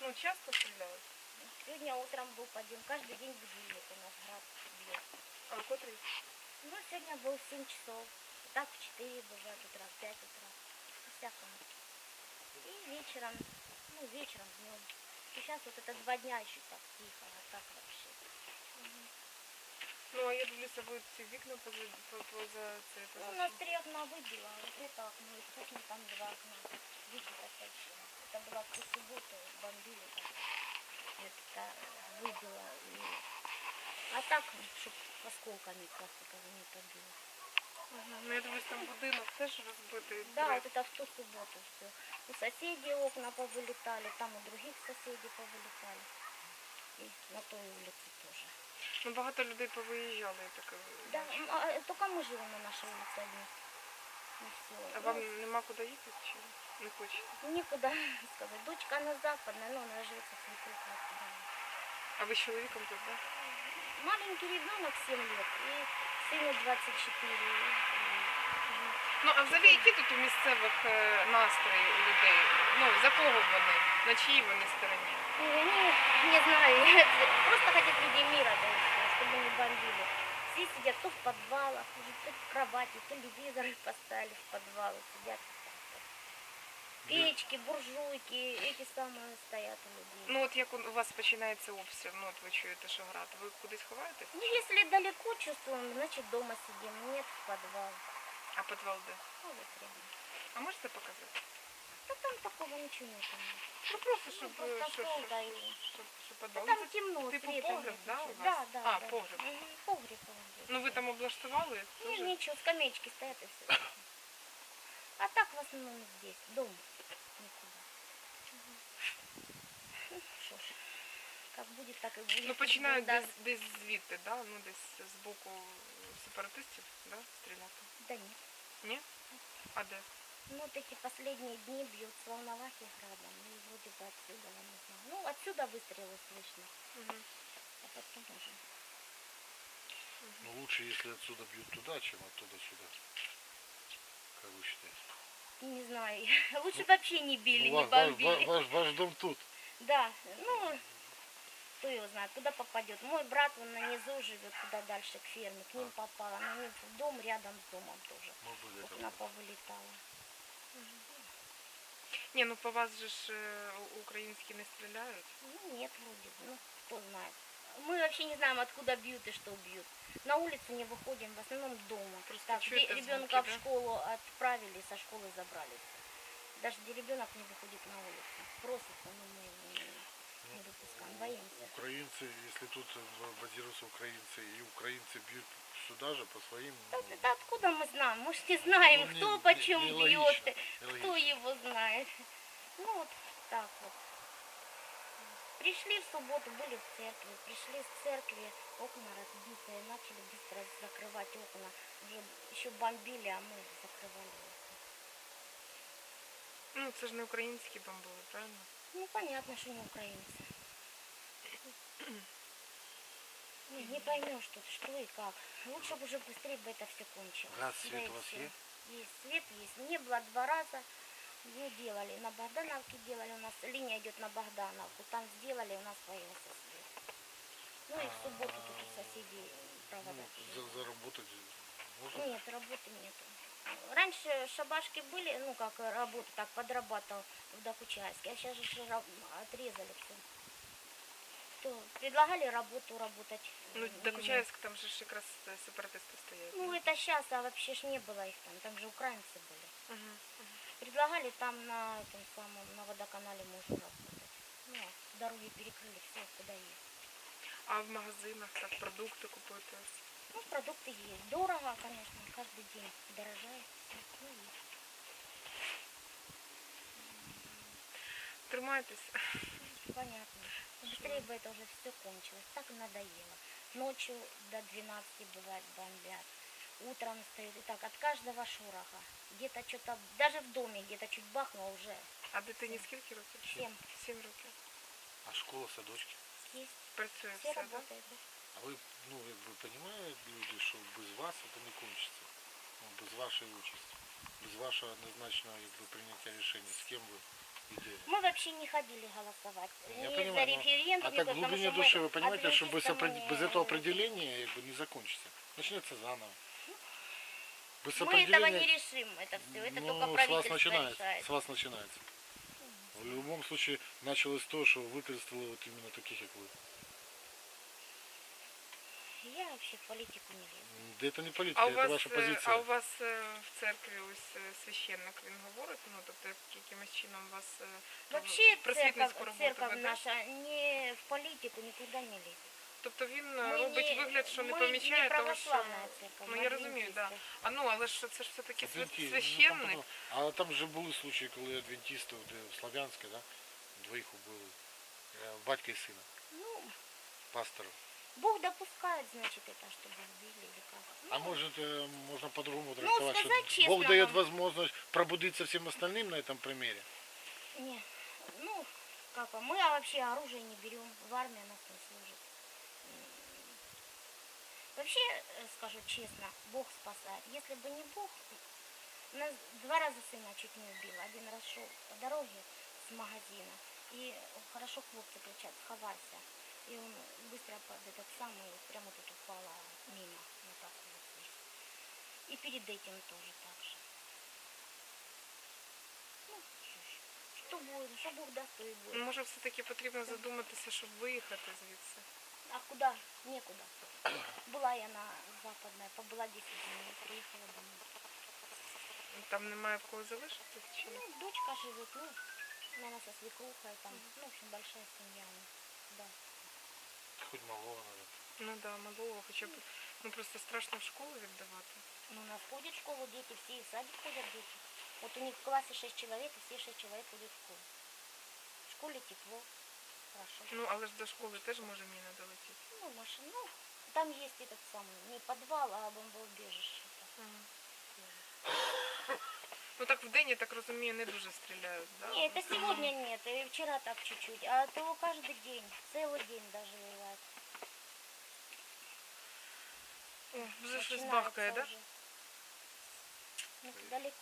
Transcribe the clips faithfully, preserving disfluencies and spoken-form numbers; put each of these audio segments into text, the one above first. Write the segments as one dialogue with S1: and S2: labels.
S1: Ну, часто стреляют?
S2: Сегодня утром был подъем. Каждый день будильник у нас град бьет.
S1: А котрий?
S2: Ну, сегодня был в семь часов. Так в четыре бывает утра, в пять утра. По-всякому. И вечером, ну, вечером, днем. И сейчас вот это два дня еще так тихо, а так вообще. Угу.
S1: Ну, а я дивлюся, ви ці вікна поза, поза це...
S2: Ну,
S1: поза
S2: у нас три окна выбило, а вот это окно, из кухни там два окна. Выбито совсем. Это было в ту субботу, бомбили так. Это выбило. И... А так, чтобы осколками пластиковыми не побило.
S1: Ага. Ну, я дивлюсь, там будинок теж розбитий.
S2: Да, вот это в ту субботу все. У соседей окна повылетали, там у других соседей повылетали. И на той улице тоже.
S1: Ну, багато людей повиїжджали, я так
S2: Да,
S1: бачу.
S2: а, только мы живем на нашей улице одни. И все.
S1: А вам нема куди їхати чи не хочете?
S2: Некуда сказать. Дочка на западной, но она живет со свекрухой.
S1: А ви з чоловіком тут, так?
S2: Маленький ребенок семь лет и сыну двадцать четыре.
S1: Ну, а взагалі, які тут у місцевих е, настрої у людей? Ну, за кого вони? На чиїй вони стороні?
S2: И они, не знаю, просто хотят людей мира, да, и всё, чтобы не бомбили. Все сидят то в подвалах, то в кровати, телевизоры поставили в подвалы, сидят. Печки, буржуйки, эти самые стоят у людей.
S1: Ну, от як у вас починається обстріл, ну, от ви чуєте, що град, ви кудись ховаєтесь?
S2: Ну, если далеко чувствуем, значит дома сидим, нет в подвал.
S1: А підвал де?
S2: Ну, вот рядом.
S1: А можете показати?
S2: Да там такого ничего нет.
S1: Ну, просто, щоб,
S2: Ну, просто
S1: щоб,
S2: стол,
S1: щоб,
S2: да, и...
S1: щоб, щоб
S2: Да
S1: підвал.
S2: там
S1: Ну, це
S2: темно,
S1: типу
S2: света
S1: погреб,
S2: нет
S1: да, у
S2: ничего.
S1: вас?
S2: Да, да,
S1: А,
S2: да.
S1: погреб.
S2: Угу. Погреб, погреб.
S1: Ну, ви там облаштували?
S2: Ну,
S1: Тоже?
S2: ничего, скамеечки стоят и все. А так в основном здесь, дом. Никуда. Ну, что ж, как будет, так и будет.
S1: Ну, починають
S2: Да.
S1: десь, десь звідти, да? Ну, десь з боку сепаратистів, да, стріляти?
S2: Да нет.
S1: Ні? А де?
S2: Ну, вот эти последние дни бьют с Волновахи градом. Ну, и вроде бы отсюда, я не знаю. Ну, отсюда выстрелы слышно.
S1: Угу.
S2: А потом уже.
S3: Ну лучше, если отсюда бьют туда, чем оттуда сюда. Как вы считаете?
S2: Не знаю. Лучше вообще не били,
S3: Ну,
S2: не
S3: ваш, ваш,
S2: бомбили.
S3: ваш, ваш дом тут.
S2: Да, ну, кто его знает, куда попадет. Мой брат, он на низу живет, куда дальше, к ферме. К ним попало. На них в дом рядом с домом тоже.
S3: Мы были там.
S2: Окна повылетала.
S1: Ні, ну по вас же ж е, українські не стріляють.
S2: Ну, нет, вроде бы. Ну, кто знает. Мы вообще не знаем, откуда бьют и что бьют. На улицу не выходим, в основном дома.
S1: Просто
S2: Так,
S1: чуете
S2: где
S1: звуки,
S2: ребенка в
S1: да?
S2: школу отправили, со школы забрали. Даже где ребенок не выходит на улицу. Просится, но мы его не, не выпускаем, боимся.
S3: Украинцы, если тут базируются украинцы, и украинцы бьют сюда же по своим...
S2: Да, это откуда мы знаем? Мы ж не знаем,
S3: Ну,
S2: кто
S3: не-
S2: почем
S3: не-
S2: бьет,
S3: нелогично,
S2: кто
S3: нелогично.
S2: его знает. Ну вот так вот. Пришли в субботу, были в церкви, пришли с церкви, окна разбитые, начали быстро закрывать окна. Уже еще бомбили, а мы закрывали окна.
S1: Ну, це ж не українські бомбили, правильно?
S2: Ну понятно, что не украинцы. Не, не поймешь тут, что и как. Лучше бы уже быстрее бы это все кончилось.
S3: Газ,
S2: Да
S3: свет
S2: и
S3: у вас
S2: всё.
S3: есть?
S2: Есть, свет есть. Не было два раза. Ну, делали. На Богдановке делали. У нас линия идет на Богдановку. Там сделали, у нас появился свет. Ну и в субботу тут у соседей провода.
S3: Ну, за,
S2: перебили.
S3: заработать можно?
S2: Нет, работы нету. Раньше шабашки были, ну как работа, так подрабатывал в Докучаевске, а сейчас же раб- отрезали все. То предлагали работу работать.
S1: Ну,
S2: М,
S1: Докучаєвськ, там же ж якраз е, сепаратисти стоять.
S2: Ну это сейчас, а вообще ж не было их там, там же украинцы были.
S1: Угу.
S2: Предлагали там на этом самом, на водоканале можно работать. Ну, а дороги перекрыли, все, куда есть.
S1: А в магазинах так продукти купити?
S2: Ну, продукты есть. Дорого, конечно, каждый день дорожает. всё. Ну, есть.
S1: Тримайтеся.
S2: Понятно. Быстрее бы это уже все кончилось. Так и надоело. Ночью до двенадцати бывает бомбят. Утром стоит. И так от каждого шороха. Где-то что-то, даже в доме где-то чуть бахнуло уже.
S1: А дитині скільки років?
S2: Сім.
S1: Сім років.
S3: А школа, садочки?
S2: Есть.
S1: Працює
S2: Все
S1: все, так?
S2: работает. Да?
S3: А вы, ну, вы понимаете, люди, что без вас это не кончится? Ну, без вашей участи, без вашего однозначного, как бы, принятия решения, с кем вы идете?
S2: Мы Мы вообще не ходили голосовать.
S3: Я
S2: ни
S3: понимаю,
S2: за
S3: но-
S2: референдум,
S3: А
S2: ни
S3: так в
S2: потому
S3: глубине
S2: что мы
S3: души вы понимаете, что без,
S2: адвентистам
S3: опре-
S2: не-
S3: без этого определения как бы не закончится. Начнется заново. Без
S2: Мы этого не
S3: определения,
S2: решим, это все. Это
S3: ну,
S2: только
S3: с вас
S2: правительство
S3: начинается.
S2: решает.
S3: С вас начинается. В любом случае началось то, что выкористало вот именно таких, как вы.
S2: Я вообще в политику не лезу.
S3: Да это не политика,
S1: А у
S3: это
S1: вас,
S3: ваша
S1: е,
S3: позиция.
S1: а у вас е, в церкві ось е, священник, він говорить, ну тобто як- якимось чином вас е,
S2: Вообще
S1: просвітницьку
S2: церковь,
S1: роботу
S2: церковь
S1: веде?
S2: наша не в политику никуда не лезет.
S1: Тобто він е,
S2: Ми
S1: робить
S2: не-
S1: вигляд, що не
S2: ми
S1: помічає
S2: не
S1: того, що...
S2: православна церква,
S1: Ну
S2: ми
S1: я розумію, так.
S2: адвентисти.
S1: Да. А ну, але ж це ж все-таки свя-
S3: Адвентисти, ну, там
S1: священник.
S3: потом- а там же були случаї, коли адвентистів де в Слов'янське, да, двоїх убили. Е, Батька і сина,
S2: Ну,
S3: пастора.
S2: Бог допускает, значит, это, чтобы убили или как.
S3: А
S2: Ну,
S3: может, э, можно по-другому трактовать,
S2: сказать
S3: что
S2: честно
S3: Бог дает
S2: вам.
S3: возможность пробудиться всем остальным на этом примере?
S2: не, ну, как, а мы вообще оружие не берем, в армии нас не служит. М, Вообще, э, скажу честно, Бог спасает. Если бы не Бог, нас два раза сына чуть не убил. Один раз шел по дороге с магазина, и хорошо хлопцы кричат: сховайся. И он быстро под этот самый, прямо тут упала мимо, вот так вот здесь. И перед этим тоже так же. Ну, что ж, что будет, что Бог даст, то и будет.
S1: Може, все-таки потрібно задуматися, щоб виїхати звідси.
S2: А куда? Некуда. Была я на Западной, побыла десять дней, приехала домой.
S1: Там немає в кого залишитися чи ні?
S2: Ну, дочка живет, ну, наверное, со свекрухой, там, ну, в общем, большая семья у них, да.
S3: Хоть малого, наверное.
S1: Ну да, малого, хоча б, ну просто страшно в школу віддавати.
S2: Ну, у нас ходят в школу дети, все и в садик ходят дети. Вот у них в классе шесть человек, и все шесть человек ходят в школу. В школе тепло, хорошо.
S1: Ну, але ж до школи теж може міна долетіти.
S2: Ну, машина, ну, там есть этот самый, не подвал, а бомбоубежище.
S1: Ага. Ну так в день, я так розумію, не дуже стріляють, да?
S2: Не, это сегодня нет, и вчера так чуть-чуть, а то каждый день, целый день даже бывает.
S1: О, вже щось
S2: Начинается
S1: бахкає, да?
S2: уже. Ну, далеко,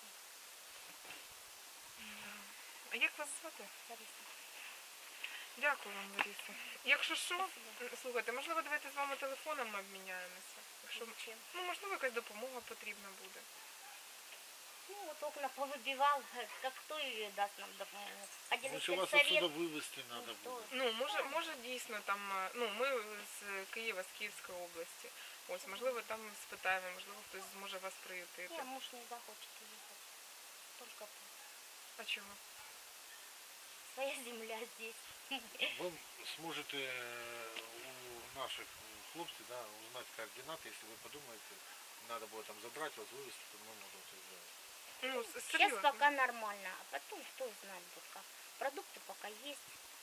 S1: А як вас звати?
S2: Лариса.
S1: Дякую вам, Лариса. Якщо що,
S2: Спасибо.
S1: слухайте, можливо, давайте з вами телефонами обміняємося. Якщо,
S2: Зачем?
S1: ну, можливо, якась допомога потрібна буде.
S2: Ну, вот окна повыбивал, как кто ее даст нам допомогу. Один
S3: Значит,
S2: из
S3: вас отсюда
S2: совет.
S3: вывести надо
S2: Ніхто.
S3: будет.
S1: Ну, може, може дійсно там, е, ну, ми з Києва, з Київської області. Ось, можливо, там спитаємо, можливо, хтось зможе вас приютити.
S2: Не, муж не захочет уехать. Только тут.
S1: А чого?
S2: Своя земля здесь.
S3: Вы сможете э, у наших хлопцев, да, узнать координаты, если вы подумаете, надо будет там забрать вас, вывести, то мы можем это сделать.
S1: Ну, с-
S2: Сейчас
S1: серйозно.
S2: пока нормально, а потом кто знает будет как. Продукты пока есть.